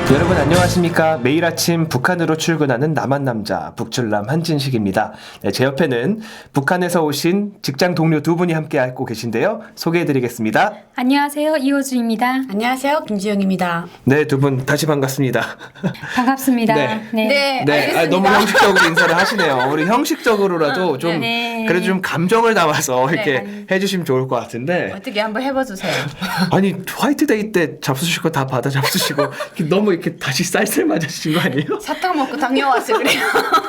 여러분 안녕하십니까. 매일 아침 북한으로 출근하는 남한 남자 북출남 한진식입니다. 네, 제 옆에는 북한에서 오신 직장 동료 두 분이 함께 하고 계신데요. 소개해드리겠습니다. 안녕하세요. 이호주입니다. 안녕하세요. 김지영입니다. 네, 두 분 다시 반갑습니다. 반갑습니다. 네. 네, 알겠습니다. 너무 형식적으로 인사를 하시네요. 우리 형식적으로라도 좀 네. 그래도 좀 감정을 담아서 네, 이렇게 아니. 해주시면 좋을 것 같은데. 어떻게 한번 해봐주세요. 아니 화이트데이 때 잡수실 거 다 받아 잡수시고 너무 이렇게 다시 쌀쌀 맞으신 거 아니에요? 사탕 먹고 당뇨 왔어요. 그래요.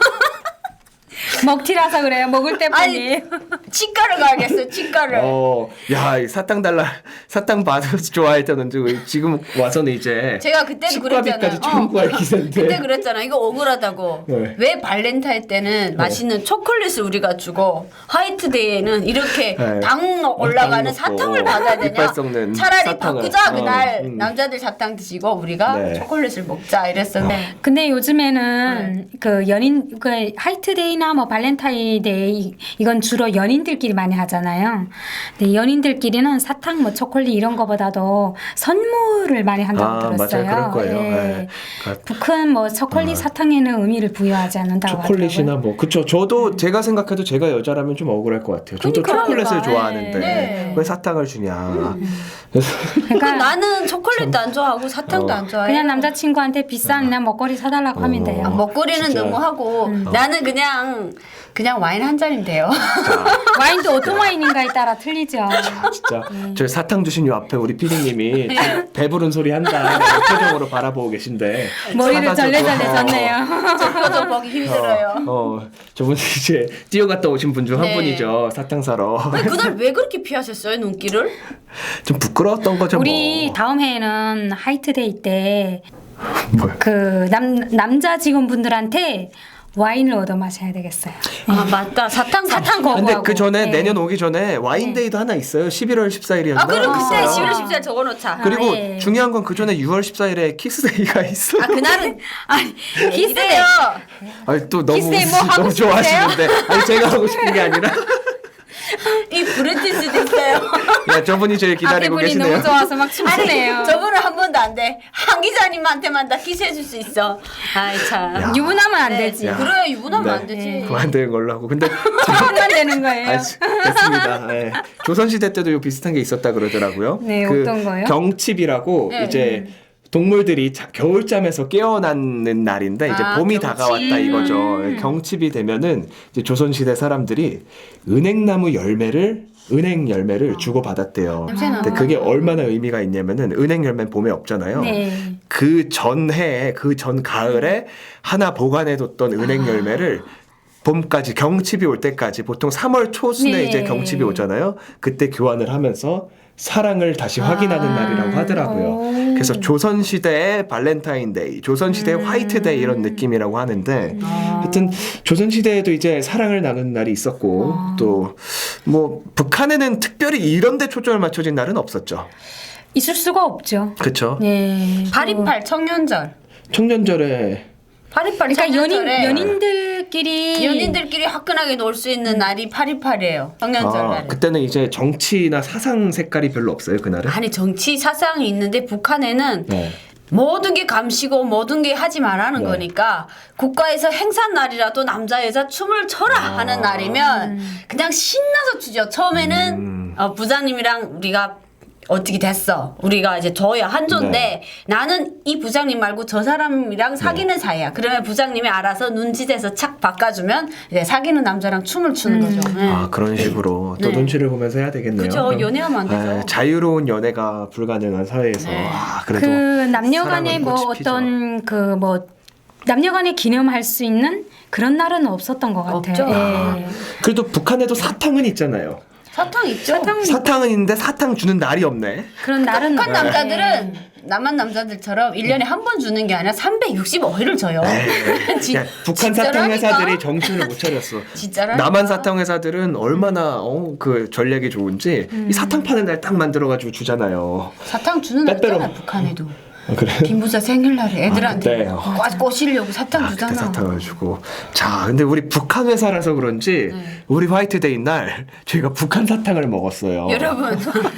먹튀라서 그래요. 먹을 때 아니, 뿐이. 치과를 가야겠어요. 치과를. 야, 이 사탕 달라, 사탕 받아서 좋아했다는 지금 와서는 이제 제가 그때도 그랬잖아요. 치과비까지 청구할 기세인데. 그때 그랬잖아. 이거 억울하다고. 네. 왜 발렌타인 때는 맛있는 초콜릿을 우리가 주고 화이트데이에는 이렇게 네. 당 올라가는 먹고 사탕을 받아야 되냐? 이빨 썩는 차라리 사탕을. 바꾸자 그날 음. 남자들 사탕 드시고 우리가 네. 초콜릿을 먹자 이랬었는데. 근데 요즘에는 그 연인 그 화이트데이나 뭐 발렌타인데이 이건 주로 연인들끼리 많이 하잖아요. 근데 연인들끼리는 사탕 뭐 초콜릿 이런 거보다도 선물을 많이 한다고 들었어요. 맞아요. 그럴 거예요. 예. 네. 그러니까 북한 뭐 초콜릿 사탕에는 의미를 부여하지 않는다고 초콜릿이나 하더라고요. 뭐 그쵸. 저도 제가 생각해도 제가 여자라면 좀 억울할 것 같아요. 저도 그러니까. 초콜릿을 좋아하는데 네. 왜 사탕을 주냐. 그러니까 나는 초콜릿도 안 좋아하고 사탕도 안 좋아해. 그냥 남자친구한테 비싼 그냥 먹거리 사달라고 하면 돼요. 먹거리는 진짜. 너무 하고 나는 그냥 와인 한 잔이면 돼요. 와인도 어떤 와인인가에 따라 틀리죠. 진짜 저 사탕 주신 요 앞에 우리 피디님이 네. 배부른 소리 한다 이런 표정으로 바라보고 계신데 머리를 사가지고- 절레절레 졌네요. 저 표정 보기 힘들어요. 저분 이제 뛰어갔다 오신 분 중 한 네. 분이죠. 사탕 사러. 아니, 그날 왜 그렇게 피하셨어요 눈길을? 좀 부끄러웠던 거죠. 우리 뭐. 다음 해에는 화이트데이 때 뭐요? 그 남자 직원분들한테 와인을 얻어 마셔야 되겠어요. 아 맞다 사탕 거부하고. 근데 그 전에 네. 내년 오기 전에 와인데이도 하나 있어요. 11월 14일이었나? 아 그럼 그때 11월 14일 적어놓자. 그리고 예. 중요한 건 그 전에 6월 14일에 키스데이가 있어요. 아 그날은 아니 기세요. 아니 또 너무 키스데이 뭐 하고 너무 좋아하시는데 아니 제가 하고 싶은 게 아니라 이 브레티스도 있어요. 야 저분이 저를 기다리고 앞에 분이 계시네요. 너무 좋아서 막 춤추네요. 저분은 한 번도 안 돼. 한 기자님한테만 다 키스해줄 수 있어. 아이 참. 야. 유부남은 안 네. 되지. 야. 그래 유부남은 네. 안 되지. 그거 안 되는 걸로 하고 근데 그것만 되는 거예요. 됐습니다. 네. 조선시대 때도 요 비슷한 게 있었다 그러더라고요. 네, 어떤 거요? 경칩이라고 네. 이제 동물들이 겨울잠에서 깨어나는 날인데 이제 아, 봄이 경칩. 다가왔다 이거죠. 경칩이 되면은 이제 조선시대 사람들이 은행 열매를 주고 받았대요. 냄새나. 근데 그게 얼마나 의미가 있냐면은 은행 열매는 봄에 없잖아요. 네. 그 전해에 그 전 가을에 하나 보관해뒀던 은행 열매를 봄까지 경칩이 올 때까지 보통 3월 초순에 네. 이제 경칩이 오잖아요. 그때 교환을 하면서 사랑을 다시 확인하는 날이라고 하더라고요. 오. 그래서 조선시대의 발렌타인데이, 조선시대의 화이트데이 이런 느낌이라고 하는데 하여튼 조선시대에도 이제 사랑을 나누는 날이 있었고 또 뭐 북한에는 특별히 이런 데 초점을 맞춰진 날은 없었죠. 있을 수가 없죠. 그렇죠. 네. 파리팔 청년절. 청년절에 파리팔 그러니까 청년절에 연인들끼리 연인들끼리 화끈하게 놀 수 있는 날이 파리팔이에요. 청년절 날에. 그때는 이제 정치나 사상 색깔이 별로 없어요, 그날은. 아니 정치 사상이 있는데 북한에는 네. 모든 게 감시고 모든 게 하지 말라는 네. 거니까 국가에서 행사 날이라도 남자 여자 춤을 춰라 하는 날이면 그냥 신나서 추죠. 처음에는 부장님이랑 우리가 어떻게 됐어. 우리가 이제 저야 한조인데 네. 나는 이 부장님 말고 저 사람이랑 사귀는 사이야. 그러면 부장님이 알아서 눈짓에서 착 바꿔주면 이제 사귀는 남자랑 춤을 추는 거죠. 네. 아 그런 식으로 또 네. 눈치를 보면서 해야 되겠네요. 그죠. 그럼, 연애하면 안 되죠. 자유로운 연애가 불가능한 사회에서 네. 그래도 그 남녀간에 사랑은 뭐 꽃이 피죠. 어떤 그 뭐 남녀간에 기념할 수 있는 그런 날은 없었던 것 같아요. 없죠. 예. 그래도 북한에도 사탕은 있잖아요. 사탕 있죠. 사탕은 있는데 사탕 주는 날이 없네. 그런 날은 북한 없- 남자들은 남한 남자들처럼 1년에 한 번 주는 게 아니라 365일을 줘요. 야, 북한 사탕 회사들이 정신을 못 차렸어. 진짜라니까. 남한 사탕 회사들은 얼마나 그 전략이 좋은지 이 사탕 파는 날 딱 만들어가지고 주잖아요. 사탕 주는 날 빼빼로. 있잖아 북한에도. 아, 그래? 김 부자 생일날에 애들한테 그때. 꼬시려고 사탕 그때 주잖아. 사탕을 주고. 자, 근데 우리 북한 회사라서 그런지 우리 화이트데이 날 저희가 북한 사탕을 먹었어요. 여러분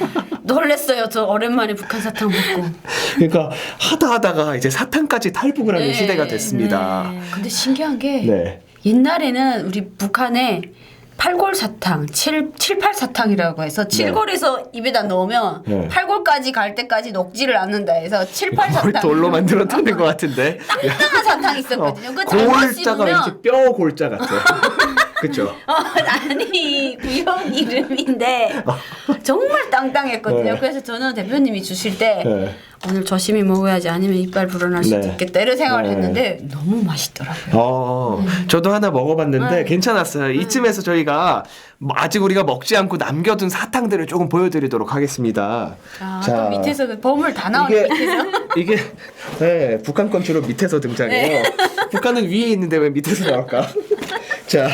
놀랬어요. 저 오랜만에 북한 사탕 먹고. 그러니까 하다가 이제 사탕까지 탈북을 하는 네. 시대가 됐습니다. 근데 신기한 게 네. 옛날에는 우리 북한에 팔골 사탕, 7, 8 사탕이라고 해서 7골에서 입에다 넣으면 네. 8골까지 갈 때까지 녹지를 않는다 해서 7, 8 뭘 사탕. 돌로 만들었다는 것 같은데. 땅땅한 사탕이 있었거든요. 그 잘못 골자가 왠지 씹으면 뼈 골자 같아. 그쵸? 아니 구형 이름인데 정말 땅땅했거든요. 네. 그래서 저는 대표님이 주실 때 네. 오늘 조심히 먹어야지 아니면 이빨 불어날 수도 네. 있겠다 이런 생각을 네. 했는데 너무 맛있더라고요. 저도 하나 먹어봤는데 네. 괜찮았어요. 이쯤에서 저희가 아직 우리가 먹지 않고 남겨둔 사탕들을 조금 보여드리도록 하겠습니다. 아, 또 밑에서 그 버물 다 나오네. 이게 밑에서. 이게 네, 북한 건 주로 밑에서 등장해요. 북한은 위에 있는데 왜 밑에서 나올까? 자,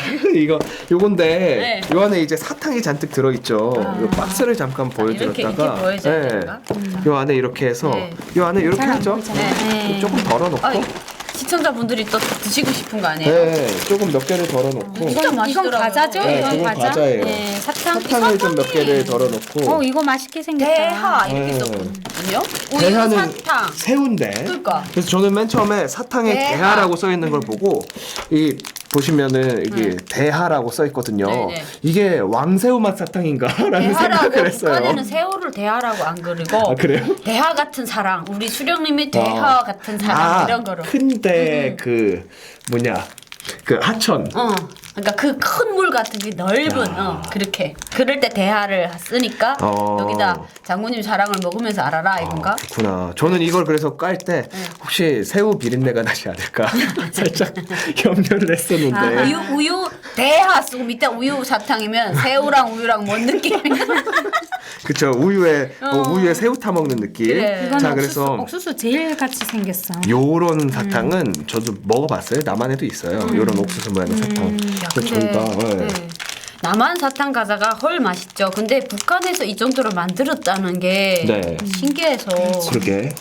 요건데 네. 요 안에 이제 사탕이 잔뜩 들어있죠. 요 박스를 잠깐 보여드렸다가 이렇게 보여줘야 되는가? 요 안에 이렇게 해서 네. 요 안에 이렇게 잘 안 하죠. 보이잖아요. 네. 조금 덜어놓고 아, 시청자분들이 또 드시고 싶은 거 아니에요? 네, 조금 몇 개를 덜어놓고 진짜 이건 맛있더라고요. 과자죠? 네, 이건 그건 과자. 과자예요. 네, 사탕. 사탕을 좀 몇 개를 덜어놓고 이거 맛있게 생겼다. 대하 이렇게 네. 썼거든요. 우유 대하는 사탕. 새우인데 그러니까. 그래서 저는 맨 처음에 사탕에 대하. 대하라고 써 있는 걸 보고 이 보시면은 이게 대하라고 써 있거든요. 네네. 이게 왕새우 맛 사탕인가라는 대하라고 생각을 했어요. 북한에는 새우를 대하라고 안 그리고 아, 그래요? 대하 같은 사랑 우리 수령님이 대하 같은 사랑 이런 거로. 큰데 그 뭐냐 그 하천. 그러니까 그 큰 물 같은 게 넓은 그렇게 그럴 때 대하를 쓰니까 여기다 장모님 사랑을 먹으면서 알아라 이건가? 그렇구나. 저는 이걸 그래서 깔 때 혹시 새우 비린내가 나지 않을까 살짝 염려를 했었는데. 우유 대하 쓰고 밑에 우유 사탕이면 새우랑 우유랑 뭔 느낌인가? 그쵸. 우유에 새우 타 먹는 느낌. 그래. 이건 자, 옥수수, 그래서 옥수수 제일 같이 생겼어. 요런 사탕은 저도 먹어봤어요. 남한에도 있어요. 요런 옥수수 모양의 사탕. 야, 그래서 저희가 네. 남한 사탕 과자가 헐 맛있죠. 근데 북한에서 이 정도로 만들었다는 게 네. 신기해서 그러게.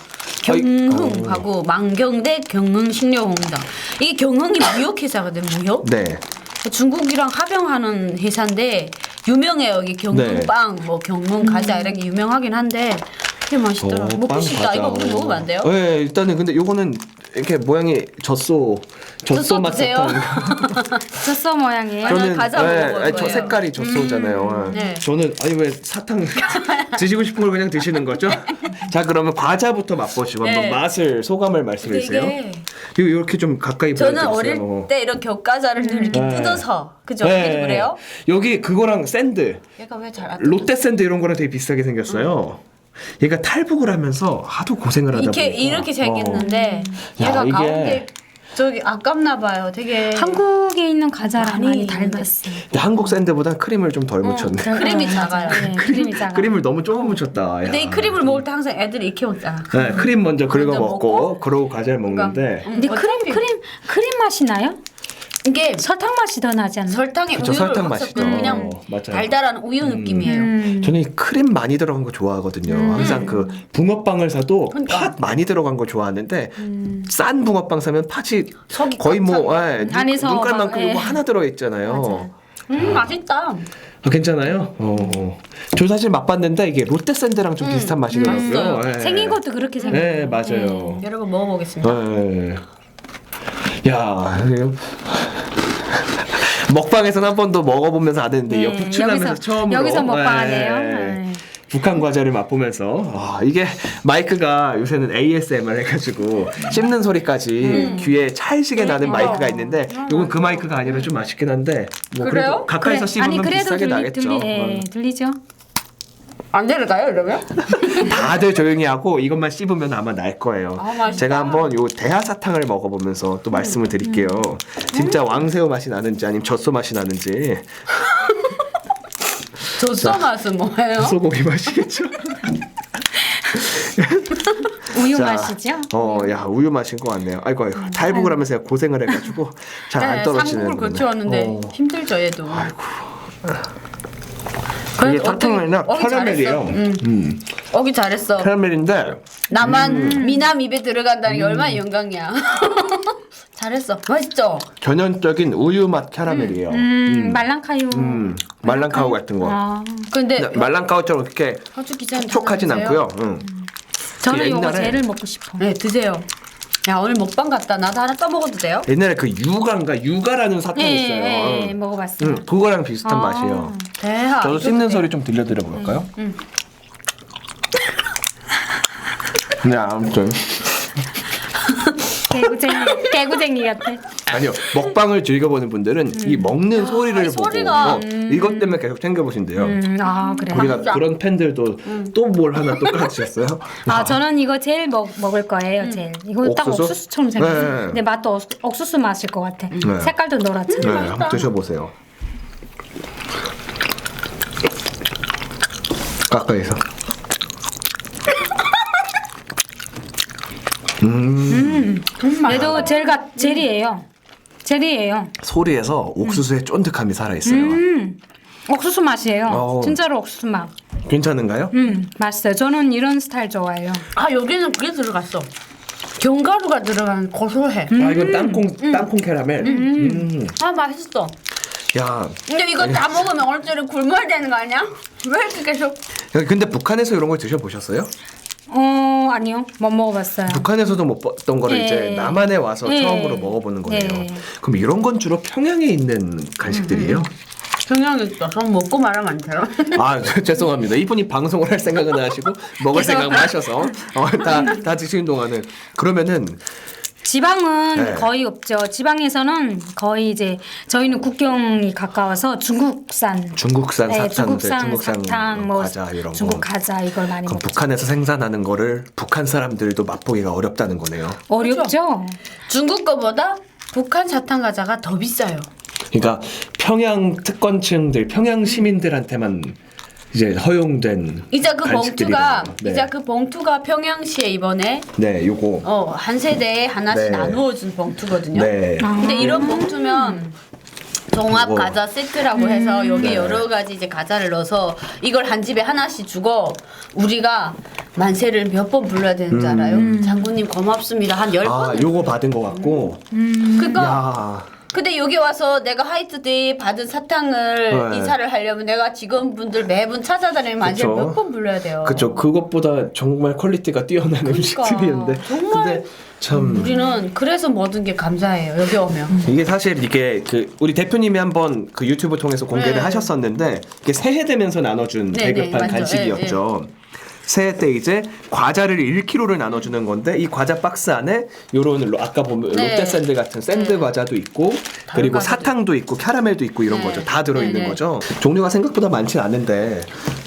경흥하고 망경대 경흥식료공장 이게 경흥이 무역회사거든 무역. 네. 중국이랑 합병하는 회사인데 유명해요. 여기 경흥빵, 뭐 경흥 과자 이런 게 유명하긴 한데 되게 맛있더라. 먹고 빵 싶다. 과자. 이거 우리 먹으면 안 돼요? 네, 일단은 근데 요거는 이렇게 모양이 젖소 맛 드세요. 사탕. 젖소 모양이에요. 저는 과자 먹어볼 아니, 저 거예요. 색깔이 젖소잖아요. 네. 저는 아니 왜 사탕 드시고 싶은 걸 그냥 드시는 거죠? 자, 그러면 과자부터 맛보시고 네. 한번 맛을 소감을 말씀해 주세요. 이게 이렇게 좀 가까이 저는 보여주세요. 어릴 때 이런 겹과자를 늘 이렇게 네. 뜯어서 그죠? 네. 그래요? 여기 그거랑 샌드 얘가 왜 잘 안 롯데 샌드 이런 거랑 되게 비슷하게 생겼어요. 얘가 탈북을 하면서 하도 고생을 하다 보니까 이렇게 생겼는데 야, 얘가 이게- 가운데 저기 아깝나 봐요. 되게 한국에 있는 과자랑 많이 있는데. 닮았어. 근데 한국 샌드보다 크림을 좀 덜 묻혔네. 크림이 작아요. 네, 크림이 작아. 크림을 너무 조금 묻혔다. 근데 야. 이 크림을 먹을 때 항상 애들이 이렇게 먹잖아. 네, 크림 먼저 긁어 먼저 먹고 먹고, 그러고 과자를 먹는데 근데 크림 맛이 나요? 이게 설탕 맛이 더 나지 않나? 설탕에 그쵸, 우유를 설탕 확 맛이죠. 섞은 그냥 맞아요. 달달한 우유 느낌이에요. 저는 이 크림 많이 들어간 거 좋아하거든요. 항상 그 붕어빵을 사도 그러니까. 팥 많이 들어간 거 좋아하는데 싼 붕어빵 사면 팥이 속이 거의 뭐 꽉 안에서 눈깔만큼 막, 이거 예. 하나 들어 있잖아요. 맛있다. 아, 괜찮아요? 저 사실 맛봤는데 이게 롯데 샌드랑 좀 비슷한 맛이더라고요. 맛있어요. 예. 생긴 것도 그렇게 생겼어요. 네, 맞아요. 여러분 먹어보겠습니다. 네. 야, 이거 먹방에서는 한 번도 먹어보면서 안 했는데 네, 옆에 출연하면서 처음으로 여기서 먹방하네요. 네. 네. 북한 과자를 맛보면서 이게 마이크가 요새는 ASMR 해가지고 씹는 소리까지 귀에 찰지게 나는 마이크가 있는데 이건 그 마이크가 아니라 좀 아쉽긴 한데 뭐 그래요? 그래도 가까이서 씹으면 아니 그래도 비싸게 나겠죠. 들리죠? 안 들을까요, 이러면? 다들 조용히 하고 이것만 씹으면 아마 날 거예요. 아, 맛있다. 제가 한번 요 대하 사탕을 먹어보면서 또 말씀을 드릴게요. 진짜 왕새우 맛이 나는지 아니면 젖소 맛이 나는지. 젖소 맛은 뭐예요? 소고기 맛이겠죠. 우유 자, 맛이죠? 야 우유 맛인 것 같네요. 아이고 탈북을 하면서 제가 고생을 해가지고 잘 안 떨어지는. 삼국을 거쳐왔는데 어. 힘들죠, 얘도. 그게 사탕이나 캐러멜이에요. 어기 잘했어. 캐러멜인데 나만 미남 입에 들어간다는 게 얼마나 영광이야. 잘했어. 맛있죠? 전형적인 우유 맛 캐러멜이에요. 말랑카유. 말랑카우 같은 거. 아, 근데 말랑카우처럼 그렇게 허주 기자님 촉촉하진 드세요. 않고요. 저는 이거 옛날에- 제일 먹고 싶어. 네, 드세요. 야, 오늘 먹방 같다. 나도 하나 떠먹어도 돼요? 옛날에 그 유가라는 사탕이 있어요. 예, 먹어봤어요. 그거랑 비슷한 아. 맛이에요. 대하. 저도 씹는 소리 좀 들려드려 볼까요? 네, 아무튼 개구쟁이 같아. 아니요, 먹방을 즐겨보는 분들은 이 먹는 소리를 이 보고 소리가, 이것 때문에 계속 챙겨보신대요. 아 그래. 우리가 진짜. 그런 팬들도 또 뭘 하나 또 깔아주셨어요? 아 저는 이거 제일 먹을 거예요. 제일 이거 딱 옥수수? 옥수수처럼 생겼어. 네. 근데 맛도 옥수수 맛일 것 같아. 네. 색깔도 네, 노랗잖아. 한번 드셔보세요. 가까이서. 얘도 젤이에요. 젤이에요. 소리에서 옥수수의 쫀득함이 살아있어요. 옥수수 맛이에요. 어. 진짜로 옥수수 맛. 괜찮은가요? 맛있어요. 저는 이런 스타일 좋아해요. 아, 여기는 그게 들어갔어. 견과류가 들어간 고소해. 아, 이건 땅콩 캐러멜. 아, 맛있어. 야, 근데 이거 다 먹으면 오늘 저녁에 굶어야 되는 거 아니야? 왜 이렇게 계속. 근데 북한에서 이런 걸 드셔보셨어요? 아니요. 못 먹어봤어요. 북한에서도 못 봤던 거를 예. 이제 남한에 와서 예. 처음으로 먹어보는 거네요. 예. 그럼 이런 건 주로 평양에 있는 간식들이에요? 경향이 있어. 전 먹고 말하면 안 돼요. 아 죄송합니다. 이분이 방송을 할 생각은 안 하시고 먹을 생각만 하셔서 다 드시는 동안은 그러면은 지방은 네. 거의 없죠. 지방에서는 거의 이제 저희는 국경이 가까워서 중국산 중국산 네, 사탕들, 중국산 사탕, 뭐 과자 이런 중국 거. 과자 이걸 많이 그럼 먹죠. 북한에서 생산하는 거를 북한 사람들도 맛보기가 어렵다는 거네요. 어렵죠. 중국 거보다 북한 사탕 과자가 더 비싸요. 그러니까 평양 특권층들, 평양 시민들한테만 이제 허용된 이제 그 봉투가 간식들이네요. 네. 이제 그 봉투가 평양시에 이번에 네, 요거. 한 세대에 하나씩 네. 나누어준 봉투거든요. 네. 근데 이런 봉투면 종합 요거. 과자 세트라고 해서 여기 여러 가지 이제 과자를 넣어서 이걸 한 집에 하나씩 주고 우리가 만세를 몇 번 불러야 되는 줄 알아요? 장군님 고맙습니다. 한 10번. 아, 요거 받은 거 같고. 그러니까 야. 근데 여기 와서 내가 화이트데이 받은 사탕을 네. 인사를 하려면 내가 직원분들 매분 찾아다니면 만세를 그쵸. 몇 번 불러야 돼요. 그쵸. 그것보다 정말 퀄리티가 뛰어난 음식들이었는데. 그러니까. 정말 근데 참. 우리는 그래서 모든 게 감사해요. 여기 오면. 이게 사실 이게 그 우리 대표님이 한번 그 유튜브 통해서 공개를 네. 하셨었는데 이게 새해 되면서 나눠준 네, 배급한 네, 맞죠. 간식이었죠. 새해 때 이제 과자를 1kg를 나눠주는 건데 이 과자 박스 안에 요런 아까 보면 네. 롯데 샌드 같은 샌드 네. 과자도 있고 그리고 과자도 사탕도 있고 캐러멜도 있고 이런 네. 거죠. 다 들어있는 네, 네. 거죠. 종류가 생각보다 많진 않은데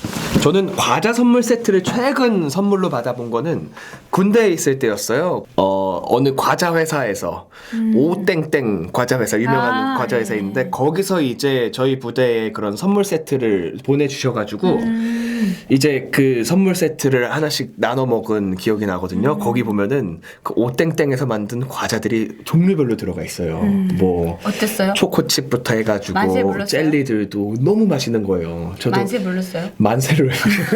저는 과자 선물 세트를 최근 선물로 받아본 거는 군대에 있을 때였어요. 어느 과자 회사에서 오땡땡 과자 회사 유명한 아, 과자 네. 회사인데 거기서 이제 저희 부대에 그런 선물 세트를 보내주셔가지고 이제 그 선물 세트를 하나씩 나눠 먹은 기억이 나거든요. 거기 보면은 그 오땡땡에서 만든 과자들이 종류별로 들어가 있어요. 뭐 어땠어요? 초코칩부터 해가지고 만세 불렀어요? 젤리들도 너무 맛있는 거예요. 저도 만세 불렀어요? 만세를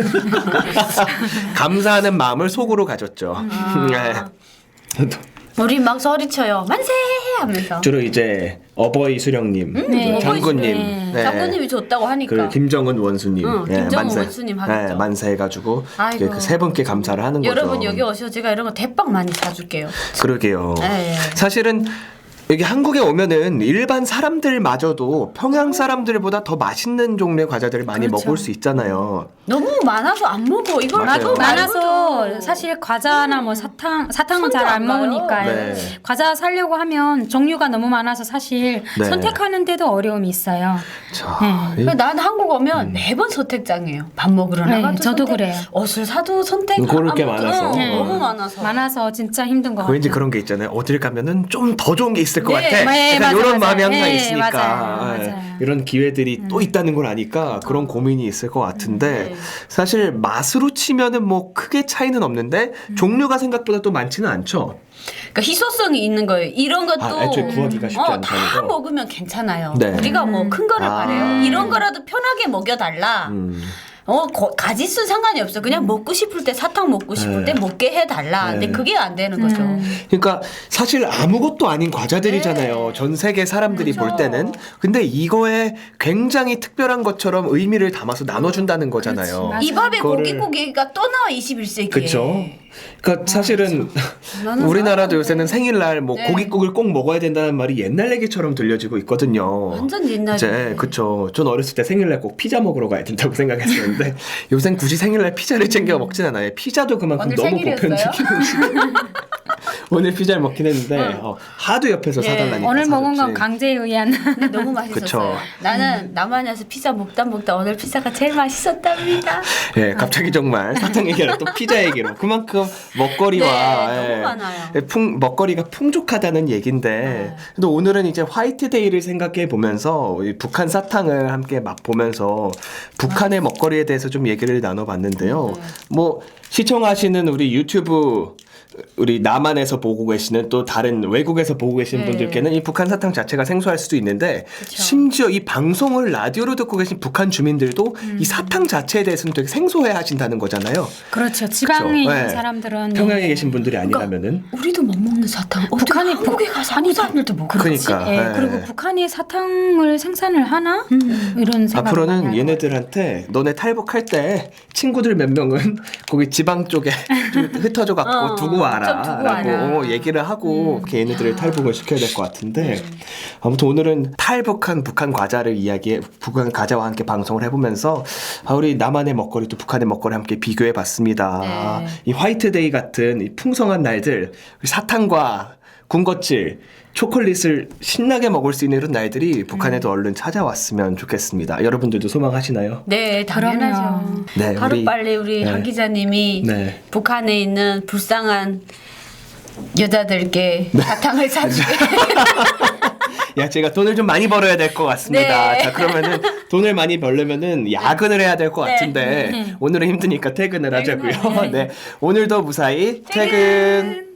감사하는 마음을 속으로 가졌죠. 네. 저도 우리 막 소리쳐요. 만세 하면서. 주로 이제 어버이 수령님, 네. 장군님, 어버이 네. 장군님이 줬다고 하니까. 그 김정은 원수님, 응, 김정은 원수님 하겠죠. 네, 만세 해가지고 아이고. 그 세 분께 감사를 하는 거죠. 여러분 여기 오셔서 제가 이런 거 대빵 많이 사줄게요. 그러게요. 네. 사실은 여기 한국에 오면은 일반 사람들마저도 평양 사람들보다 더 맛있는 종류의 과자들을 많이 그렇죠. 먹을 수 있잖아요. 너무 많아서 안 먹어. 이걸 맞아요. 나도 많아서 사실 과자나 뭐 사탕은 손도 잘 안 안 가요. 먹으니까 네. 과자 사려고 하면 종류가 너무 많아서 사실 네. 선택하는데도 어려움이 있어요. 자, 이- 난 한국 오면 매번 선택장이에요. 밥 먹으러 네, 나가도 저도 선택, 그래요. 옷을 사도 선택. 고를 게 아무것도 많아서. 응, 너무 많아서. 많아서 진짜 힘든 것 같아요. 왠지 그런 게 있잖아요. 어딜 가면은 좀 더 좋은 게 있을 것 네, 같아. 네, 약간 맞아, 이런 맞아. 마음이 항상 네, 있으니까 맞아요, 예, 맞아요. 이런 기회들이 또 있다는 걸 아니까 그런 고민이 있을 것 같은데 네. 사실 맛으로 치면은 뭐 크게 차이는 차이는 없는데 종류가 생각보다 또 많지는 않죠. 그러니까 희소성이 있는 거예요. 이런 것도 애초에 구하기가 쉽지 않다는 다 거. 먹으면 괜찮아요. 네. 우리가 뭐 큰 거를 바래요. 이런 거라도 편하게 먹여달라. 가짓수 상관이 없어. 그냥 먹고 싶을 때 사탕 먹고 싶을 네. 때 먹게 해달라. 근데 그게 안 되는 거죠. 그러니까 사실 아무것도 아닌 과자들이잖아요. 네. 전 세계 사람들이 그렇죠. 볼 때는. 근데 이거에 굉장히 특별한 것처럼 의미를 담아서 나눠준다는 거잖아요. 그렇지, 이 밥에 그거를- 고기가 또 나와 21세기에. 그렇죠. 그러니까 사실은 나는 우리나라도 사랑해. 요새는 생일날 뭐 네. 고깃국을 꼭 먹어야 된다는 말이 옛날 얘기처럼 들려지고 있거든요. 완전 옛날이네. 이제 그쵸. 전 어렸을 때 생일날 꼭 피자 먹으러 가야 된다고 생각했었는데 요새는 굳이 생일날 피자를 챙겨 먹진 않아요. 피자도 그만큼 오늘 너무 생일이었어요? 보편적인 음식. 오늘 피자를 먹긴 했는데 하도 옆에서 예. 사달라니까 오늘 먹은 건 사줬지. 강제에 의한. 근데 너무 맛있었어요. 그쵸. 나는 남한에서 피자 먹다 오늘 피자가 제일 맛있었답니다. 예, 갑자기 정말 사탕 얘기라 또 피자 얘기로 그만큼 먹거리와 네, 너무 많아요. 먹거리가 풍족하다는 얘긴데 네. 근데 오늘은 이제 화이트데이를 생각해 보면서 이 북한 사탕을 함께 맛보면서 북한의 먹거리에 대해서 좀 얘기를 나눠봤는데요. 뭐 시청하시는 우리 유튜브 우리 남한에서 보고 계시는 또 다른 외국에서 보고 계시는 네. 분들께는 이 북한 사탕 자체가 생소할 수도 있는데 심지어 이 방송을 라디오로 듣고 계신 북한 주민들도 이 사탕 자체에 대해서는 되게 생소해 하신다는 거잖아요. 그렇죠. 지방에 그쵸. 있는 네. 사람들은 평양에 계신 분들이 아니라면은 우리도 못 먹는 사탕. 어떻게 북한이 한국에 가서 한국 사람들도 먹어. 그러니까 예, 예. 그리고 북한이 사탕을 생산을 하나 이런 생각. 앞으로는 얘네들한테 너네 탈북할 때 친구들 몇 명은 거기 지방 쪽에 좀 흩어져 갖고 두고 좀 두고 와라라고 와라. 얘기를 하고 이렇게 얘네들을 탈북을 시켜야 될 것 같은데 아무튼 오늘은 탈북한 북한 과자를 북한 과자와 함께 방송을 해보면서 우리 남한의 먹거리 또 북한의 먹거리 함께 비교해봤습니다. 네. 이 화이트데이 같은 이 풍성한 날들 사탕과 군것질 초콜릿을 신나게 먹을 수 있는 이런 날들이 북한에도 얼른 찾아왔으면 좋겠습니다. 여러분들도 소망하시나요? 네, 당연하죠. 네, 하루빨리 우리 네. 박 기자님이 네. 북한에 있는 불쌍한 여자들께 사탕을 사주게. 야, 제가 돈을 좀 많이 벌어야 될 것 같습니다. 네. 자, 그러면은 돈을 많이 벌려면은 야근을 해야 될 것 네. 같은데 오늘은 힘드니까 퇴근을 하자고요. 네, 오늘도 무사히 퇴근.